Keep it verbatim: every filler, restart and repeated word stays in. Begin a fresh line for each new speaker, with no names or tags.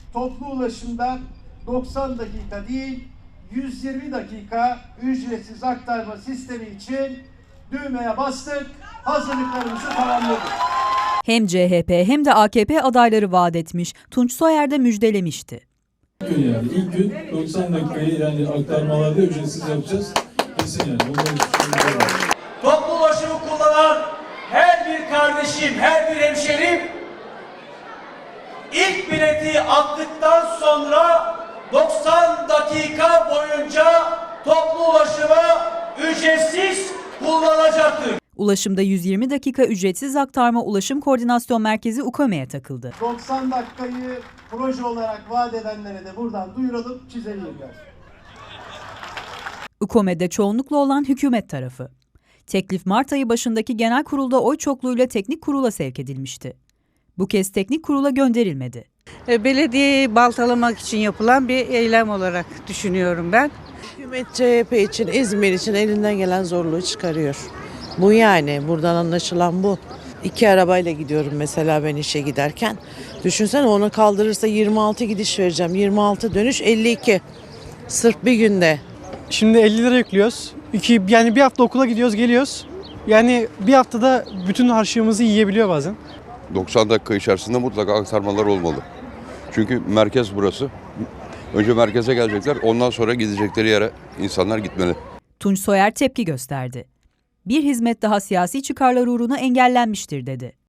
toplu ulaşımda doksan dakika değil, yüz yirmi dakika ücretsiz aktarma sistemi için düğmeye bastık, hazırlıklarımızı tamamladık.
Hem C H P hem de A K P adayları vaat etmiş, Tunç Soyer de müjdelemişti.
Yani ilk gün doksan dakikayı yani aktarmalarda ücretsiz yapacağız. Kesin yani.
Toplu ulaşımı kullanan her bir kardeşim, her bir hemşerim ilk bileti attıktan sonra doksan dakika boyunca toplu ulaşımı ücretsiz kullanacaktır.
Ulaşımda yüz yirmi dakika ücretsiz aktarma Ulaşım Koordinasyon Merkezi UKOME'ye takıldı.
doksan dakikayı proje olarak vaat edenlere de buradan duyuralım, çizelim yani.
UKOME'de çoğunlukla olan hükümet tarafı. Teklif Mart ayı başındaki genel kurulda oy çokluğuyla teknik kurula sevk edilmişti. Bu kez teknik kurula gönderilmedi.
Belediyeyi baltalamak için yapılan bir eylem olarak düşünüyorum ben.
Hükümet C H P için, İzmir için elinden gelen zorluğu çıkarıyor. Bu yani buradan anlaşılan bu. İki arabayla gidiyorum mesela ben işe giderken. Düşünsene onu kaldırırsa yirmi altı gidiş vereceğim. yirmi altı dönüş elli iki. Sırf bir günde.
Şimdi elli lira yüklüyoruz. İki, yani bir hafta okula gidiyoruz geliyoruz. Yani bir haftada bütün harçlığımızı yiyebiliyor bazen.
doksan dakika içerisinde mutlaka aktarmalar olmalı. Çünkü merkez burası. Önce merkeze gelecekler, ondan sonra gidecekleri yere insanlar gitmeli.
Tunç Soyer tepki gösterdi. Bir hizmet daha siyasi çıkarlar uğruna engellenmiştir dedi.